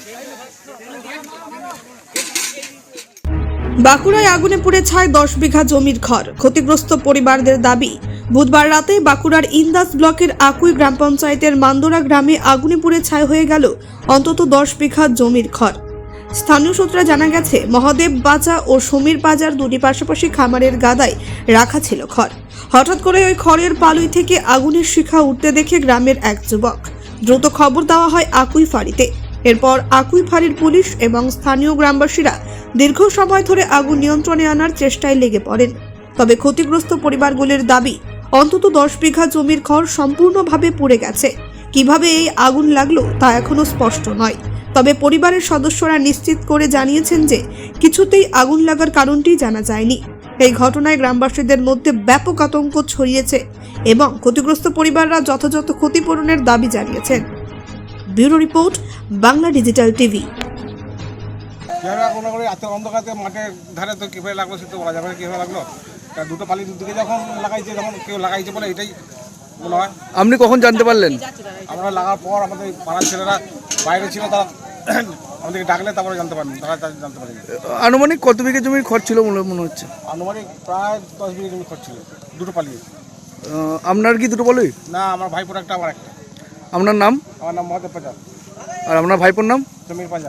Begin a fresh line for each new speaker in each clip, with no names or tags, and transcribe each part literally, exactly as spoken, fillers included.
বাঁকুড়ায় আগুনে পুড়ে ছাই দশ বিঘা জমির ঘর, ক্ষতিগ্রস্ত পরিবারদের দাবি। বুধবার রাতে বাঁকুড়ার ইন্দাস ব্লকের আকুই গ্রাম পঞ্চায়েতের মান্দোরা গ্রামে আগুনে পুড়ে ছাই হয়ে গেল অন্তত দশ বিঘা জমির ঘর। স্থানীয় সূত্রে জানা গেছে, মহাদেব বাজার ও সমীর বাজার দুটি পাশাপাশি খামারের গাদায় রাখা ছিল খড়। হঠাৎ করে ওই খড়ের পালুই থেকে আগুনের শিখা উঠতে দেখে গ্রামের এক যুবক দ্রুত খবর দেওয়া হয় আকুই ফাঁড়িতে। এরপর আকুই ফাঁড়ির পুলিশ এবং স্থানীয় গ্রামবাসীরা দীর্ঘ সময় ধরে আগুন নিয়ন্ত্রণে আনার চেষ্টায় লেগে পড়েন। তবে ক্ষতিগ্রস্ত পরিবারগুলির দাবি, অন্তত দশ বিঘা জমির খড় সম্পূর্ণভাবে পুড়ে গেছে। কিভাবে এই আগুন লাগলো তা এখনো স্পষ্ট নয়। তবে পরিবারের সদস্যরা নিশ্চিত করে জানিয়েছেন যে কিছুতেই আগুন লাগার কারণটি জানা যায়নি। এই ঘটনায় গ্রামবাসীদের মধ্যে ব্যাপক আতঙ্ক ছড়িয়েছে এবং ক্ষতিগ্রস্ত পরিবাররা যথাযথ ক্ষতিপূরণের দাবি জানিয়েছেন। Bureau report, Bangla Digital TV.
অন্ধকারে মাঠের ধারে তো কিভাবে লাগলো সে তো বলা যাবে না কিভাবে লাগলো। দুটো পালি দুদিকে যখন লাগাইছে তখন কেউ লাগাইছে বলে এটাই মনে হয়।
আপনি কখন জানতে পারলেন?
আমরা লাগার পর আমাদের পাড়ার ছেলেরা বাইরে ছিল, তারা আমাদেরকে ডাকলে তারপরে জানতে পারেন, তারা জানতে পারেন।
আনুমানিক কত বিঘা জমির খরচ ছিল বলে মনে হচ্ছে?
আনুমানিক প্রায় দশ বিঘা জমি খরচ ছিল, দুটো পালিয়ে।
আপনার কি দুটো পালি?
না, আমার ভাইপোর একটা, আমার একটা।
আপনার নাম?
আমার নাম মহাদেব পাঞ্জা।
আর আপনার ভাইপোর নাম?
সমীর পাঞ্জা।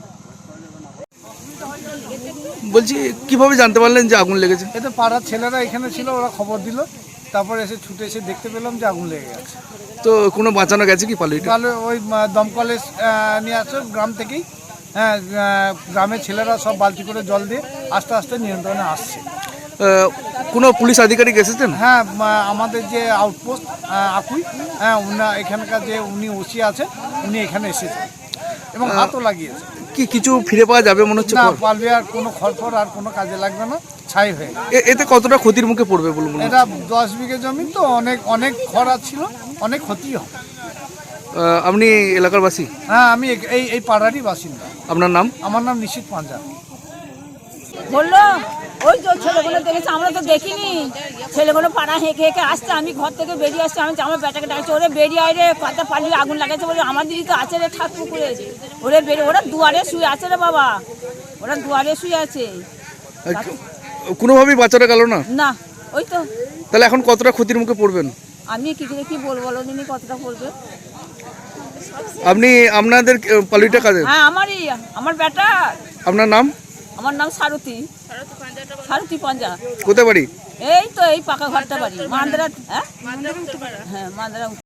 বলছি, কিভাবে জানতে পারলেন যে আগুন লেগেছে?
এটা পাড়ার ছেলেরা এখানে ছিল, ওরা খবর দিল, তারপরে এসে ছুটে এসে দেখতে পেলাম যে আগুন লেগে গেছে।
তো কোনো বাঁচানো গেছে কি পালিটা?
তাহলে ওই দমকলে নিয়ে আসো গ্রাম থেকেই। হ্যাঁ, গ্রামের ছেলেরা সব বালতি করে জল দিয়ে আস্তে আস্তে নিয়ন্ত্রণে আসছে।
কোনো পুলিশ আধিকারিক এসেছেন?
হ্যাঁ, আমাদের যে আউটপোস্ট আকুই, হ্যাঁ, উনা এখানকার যে উনি ওসি আছেন, উনি এখানে এসেছেন এবং হাতও লাগিয়েছে।
কি কিছু ফিরে পাওয়া যাবে মনে হচ্ছে?
না, পারবে আর কোনো খড়ফড় আর কোনো কাজে লাগবে না, ছাই হয়ে গেছে।
এতে কতটা ক্ষতির মুখে পড়বে বলুন?
এটা দশ বিঘে জমি তো, অনেক অনেক খরা ছিল, অনেক ক্ষতি হয়।
আপনি এলাকার বাসী?
হ্যাঁ, আমি এই এই পাড়ারই বাসিন্দা।
আপনার নাম?
আমার নাম নিশিত পাঞ্জা।
বললো ওই তো ছেলেগুলো দেখেছে, আমরা তো দেখিনি। ছেলেগুলো পাড়া হেঁকে হেঁকে আসছে, আমি ঘর থেকে বেরিয়ে আসছি, আমি আমার বেটাকে ডাকছি, ওরে বেরিয়ে আয় রে, কথা পালিয়ে আগুন লাগাচ্ছে বলে। আমার দিদি তো আছে রে ঠাক পুকুরে, ওরে বেরিয়ে, ওরা দুয়ারে শুয়ে আছে রে বাবা, ওরা দুয়ারে শুয়ে আছে।
কোনোভাবেই বাঁচানো গেল না?
না, ওই তো।
তাহলে এখন কতটা ক্ষতির মুখে পড়বেন?
আমি কি করে কি বলবো, বলো দিনই কতটা পড়বে।
আপনি আপনাদের পালিটা কাজে?
হ্যাঁ, আমারই, আমার বেটা।
আপনার নাম?
আমার নাম সারথী, সারথী পাঞ্জা।
কোথায় বাড়ি?
এই তো এই পাকা ঘরটা বাড়ি, মান্দারা। হ্যাঁ, হ্যাঁ, মান্দারা।